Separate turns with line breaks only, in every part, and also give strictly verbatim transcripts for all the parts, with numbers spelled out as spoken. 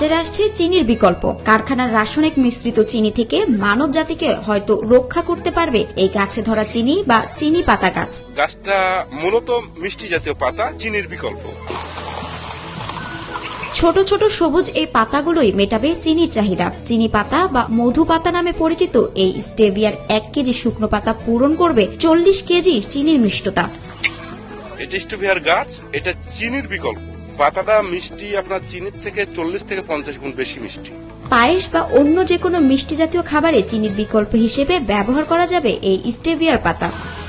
আসছে চিনির বিকল্প। কারখানার রাসায়নিক মিশ্রিত চিনি থেকে মানব জাতিকে হয়তো রক্ষা করতে পারবে এই গাছে ধরা চিনি বা চিনি পাতা গাছ।
গাছটা মূলত মিষ্টি জাতীয় পাতা, চিনির বিকল্প।
ছোট ছোট সবুজ এই পাতাগুলোই মেটাবে চিনির চাহিদা। চিনি পাতা বা মধু পাতা নামে পরিচিত এই স্টেভিয়ার এক কেজি শুকনো পাতা পূরণ করবে চল্লিশ কেজি চিনির মিষ্টতা।
এটা স্টেভিয়ার গাছ, এটা চিনির বিকল্প। পাতাটা মিষ্টি আপনার চিনির থেকে চল্লিশ থেকে পঞ্চাশ গুণ বেশি মিষ্টি।
পায়েস বা অন্য যে কোনো মিষ্টি জাতীয় খাবারে চিনির বিকল্প হিসেবে ব্যবহার করা যাবে এই স্টেভিয়ার পাতা।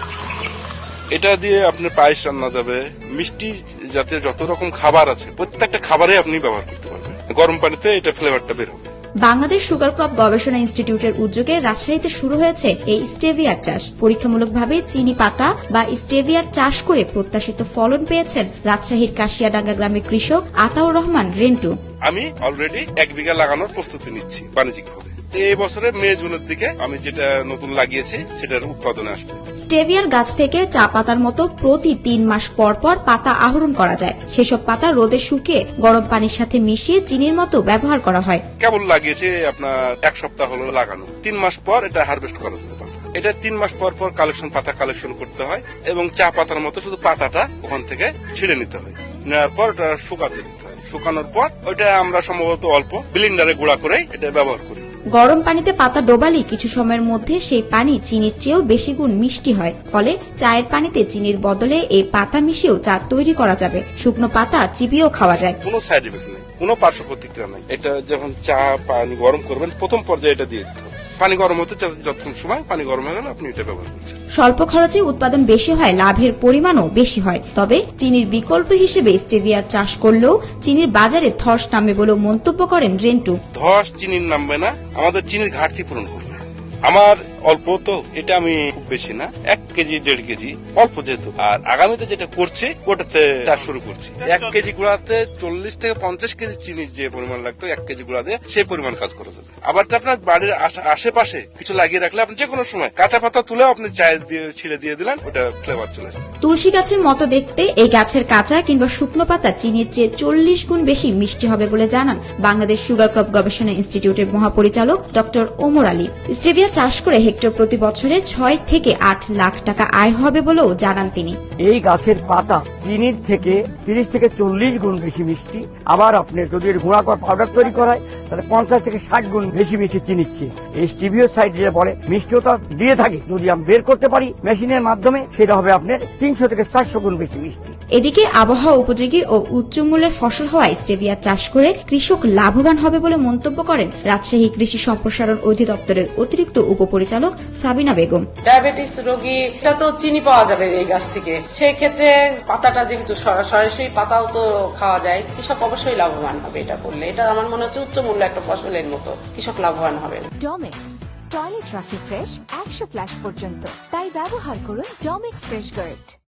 এটা দিয়ে আপনার পায়েস রান্না যাবে, মিষ্টি জাতীয় যত রকম খাবার আছে প্রত্যেকটা খাবারে আপনি ব্যবহার করতে পারবেন। গরম পানিতে এটা ফ্লেভারটা বের হবে।
বাংলাদেশ সুগার ক্রপ গবেষণা ইনস্টিটিউটের উদ্যোগে রাজশাহীতে শুরু হয়েছে এই স্টেভিয়ার চাষ। পরীক্ষামূলকভাবে চিনি পাতা বা স্টেভিয়ার চাষ করে প্রত্যাশিত ফলন পেয়েছেন রাজশাহীর কাশিয়াডাঙ্গা গ্রামের কৃষক আতাউর রহমান রেন্টু।
আমি অলরেডি এক বিঘা লাগানোর প্রস্তুতি নিচ্ছি বাণিজ্যিকভাবে। এই বছরে মে জুনের দিকে আমি যেটা নতুন লাগিয়েছি সেটার উৎপাদনে আসবে।
স্টেভিয়ার গাছ থেকে চা পাতার মতো প্রতি তিন মাস পর পর পাতা আহরণ করা যায়। সেসব পাতা রোদে শুকিয়ে গরম পানির সাথে মিশিয়ে চিনির মতো ব্যবহার করা হয়।
কেবল লাগিয়েছে আপনার এক সপ্তাহ হলো লাগানো, তিন মাস পর এটা হারভেস্ট করা যাবে। এটা তিন মাস পর পর কালেকশন পাতা কালেকশন করতে হয় এবং চা পাতার মতো শুধু পাতাটা ওখান থেকে ছিঁড়ে নিতে হয়। নেওয়ার পর ওটা শুকাতে দিতে হয়। শুকানোর পর ওইটা আমরা সম্ভবত অল্প ব্লেন্ডারে গুঁড়া করে এটা ব্যবহার করি।
গরম পানিতে পাতা ডোবালেই কিছু সময়ের মধ্যে সেই পানি চিনির চেয়েও বেশি গুণ মিষ্টি হয়। ফলে চায়ের পানিতে চিনির বদলে এই পাতা মিশিয়েও চা তৈরি করা যাবে। শুকনো পাতা চিবিয়েও খাওয়া যায়।
কোনো সাইড এফেক্ট নেই, কোনো পার্শ্ব প্রতিক্রিয়া নেই। এটা যখন চা পানি গরম করবেন প্রথম পর্যায়ে এটা দিয়ে দিতে হবে। পানি গরম হতে যতক্ষণ সময় পানি গরম হয়ে গেলে আপনি এটা ব্যবহার করছেন।
স্বল্প খরচে উৎপাদন বেশি হয়, লাভের পরিমাণও বেশি হয়। তবে চিনির বিকল্প হিসেবে স্টেভিয়ার চাষ করলেও চিনির বাজারে ধস নামবে বলেও মন্তব্য করেন রেন্টু।
ধস চিনির নামবে না, আমাদের চিনির ঘাটতি পূরণ করবে। আমার অল্প তো, এটা আমি খুব বেশি না, এক কেজি দেড় কেজি অল্প যেহেতু। আর আগামীতে যেটা করছি ওটাতে চাষ শুরু করছি। এক কেজি গুঁড়াতে চল্লিশ থেকে পঞ্চাশ কেজি চিনি যে পরিমাণ লাগতো এক কেজি গুঁড়া দিয়ে সেই পরিমাণ কাজ করা যাবে। আবার আপনার বাড়ির আশেপাশে কিছু লাগিয়ে রাখলে আপনি যে কোনো সময় কাঁচা পাতা তুলেও আপনি চায়ের দিয়ে ছিঁড়ে দিয়ে দিলেন, ওটা ফ্লেভার চলে আসবে।
তুলসী গাছের মতো দেখতে এই গাছের কাঁচা কিংবা শুকনো পাতা চিনির চেয়ে চল্লিশ গুণ বেশি মিষ্টি হবে বলে জানান বাংলাদেশ সুগার ক্রপ গবেষণা ইনস্টিটিউটের মহাপরিচালক ডক্টর ওমর আলী। স্টেভিয়া চাষ করে হেক্টর প্রতি বছরে ছয় থেকে আট লাখ টাকা আয় হবে বলেও জানান তিনি।
এই গাছের পাতা চিনির থেকে তিরিশ থেকে চল্লিশ গুণ বেশি মিষ্টি। আবার আপনি যদি গুঁড়া করে পাউডার তৈরি করায় তাহলে পঞ্চাশ থেকে ষাট গুণ বেশি মিষ্টি চিনির চেয়ে। এই স্টিভিও সাইড যেটা বলে মিষ্টিটা দিয়ে থাকে, যদি আমি বের করতে পারি মেশিনের মাধ্যমে সেটা হবে আপনার তিনশো থেকে চারশো গুণ বেশি মিষ্টি।
এদিকে আবহাওয়া উপযোগী ও উচ্চ মূল্যের ফসল হওয়ায় স্টেভিয়া চাষ করে কৃষক লাভবান হবে বলে মন্তব্য করেন রাজশাহী কৃষি সম্প্রসারণ অধিদপ্তরের অতিরিক্ত উপপরিচালক সাবিনা বেগম।
ডায়াবেটিস রোগী এটা তো চিনি পাওয়া যাবে এই গাছ থেকে, সেই ক্ষেত্রে পাতাটা যেহেতু সরাসরি পাতাও তো খাওয়া যায়, কৃষক অবশ্যই লাভবান হবে এটা করলে। এটা আমার মনে হচ্ছে উচ্চ মূল্য একটা ফসলের মতো, কৃষক লাভবান হবে।
ডমেক্স টয়লেট রাখি ফ্রেশ একশো ফ্ল্যাশ পর্যন্ত, তাই ব্যবহার করুন ডমেক্স ফ্রেশ গার্ড।